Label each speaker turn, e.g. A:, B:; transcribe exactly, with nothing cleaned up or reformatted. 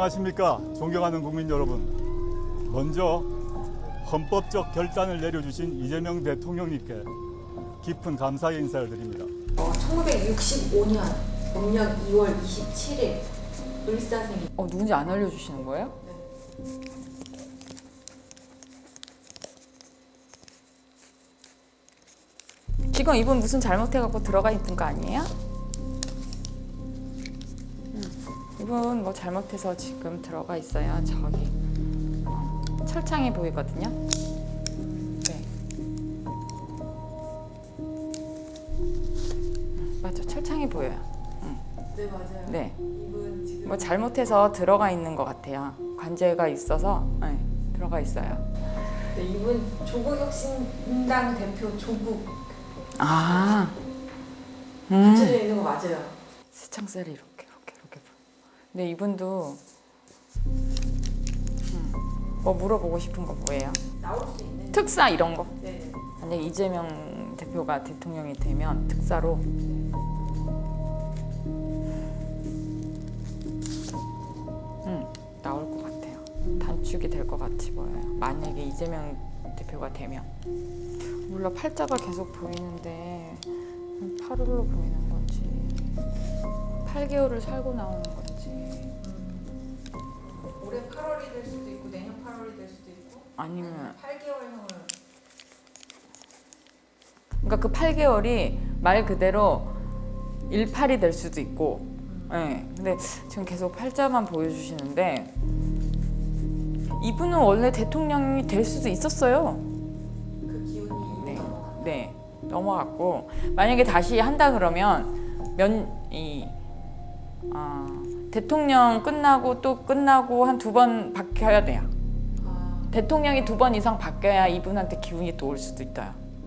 A: 안녕하십니까 존경하는 국민 여러분. 먼저 헌법적 결단을 내려주신 이재명 대통령님께 깊은 감사의 인사를 드립니다.
B: 어, 천구백육십오 년农년 이월 이십칠일 을사생일.
C: 어, 누군지 안 알려주시는 거예요?
B: 네.
C: 지금 이분 무슨 잘못해갖고 들어가 있는 거 아니에요? 음, 이분 뭐 잘못해서 지금 들어가 있어요. 저기 철창이 보이거든요. 네. 음, 맞죠, 철창이 보여요. 음.
B: 네, 맞아요.
C: 네.
B: 이분 지금
C: 뭐 잘못해서 들어가 있는 것 같아요. 관제가 있어서 네, 들어가 있어요.
B: 네, 이분 조국혁신당 대표 조국
C: 아,
B: 붙여져
C: 음.
B: 있는 거 맞아요.
C: 세창살이 이렇게 이렇게 이렇게. 근데 이분도 음, 뭐 물어보고 싶은 거 뭐예요?
B: 나올 수 있는.
C: 특사 이런 거.
B: 네.
C: 만약 이재명 대표가 대통령이 되면 특사로 음, 나올 것 같아요. 단축이 될 것 같이 보여요. 만약에 이재명 대표가 되면. 몰라, 팔자가 계속 보이는데 팔월로 보이는 건지 팔 개월을 살고 나오는 건지
B: 음, 올해 팔월이 될 수도 있고 내년 팔월이 될 수도 있고
C: 아니면
B: 팔 개월형을.
C: 그러니까 그 팔 개월이 말 그대로 일팔이 될 수도 있고 네. 근데 지금 계속 팔자만 보여주시는데 이분은 원래 대통령이 될 수도 있었어요.
B: 그 기운이
C: 네,
B: 있는
C: 네 넘어갔고 만약에 다시 한다 그러면 면이 아, 대통령 끝나고 또 끝나고 한 두 번 바뀌어야 돼요.
B: 아,
C: 대통령이 두 번 이상 바뀌어야 이분한테 기운이 또 올 수도 있어요.